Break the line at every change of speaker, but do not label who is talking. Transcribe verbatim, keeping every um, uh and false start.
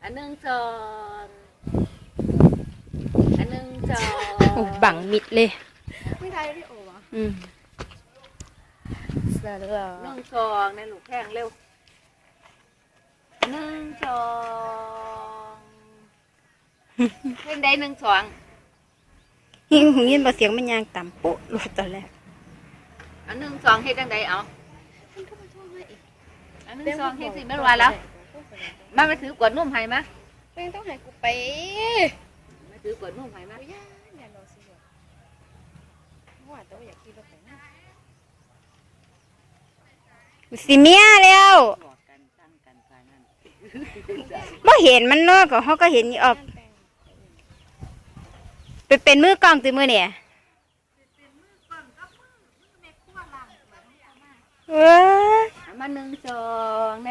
อันหนึ่งสองอันหนึ่งสอง
โอ้บังมิดเลย
ไม่ได้พี่โอ๋ะ
อืมสลอ
หนึ่งสองในลูกแข้งเร็วหนึ่งสองเพ่งได้หนึ่งสอง
ยิงหูยินบ่เสียงมันยางต่ำปุ๊รู้ตอนแรก
อันหนึ่งสองเฮ็ดจังไดเอา
มันก็มาโทษให้อีก
อันหนึ่งสองเฮ็ดสิแม่นว่าแล้วมามาถือกวดนุ่มให้มา
เป็นต้องให้กูไป
มาถือกวดนุ่มให้มา
กูย่าอย่ารอสิวะว่าแต่ว่าอยากกินรถแต่งหน้า
สิเมียแล้ว
บอกกันตั้งกันกานั่น
บ่เห็นมันเนาะก็เฮาก็เห็นอยู่ออกไปเป็นมือกล้องติมื้อเนี่ยเว้ย
มาหนึ่งสอง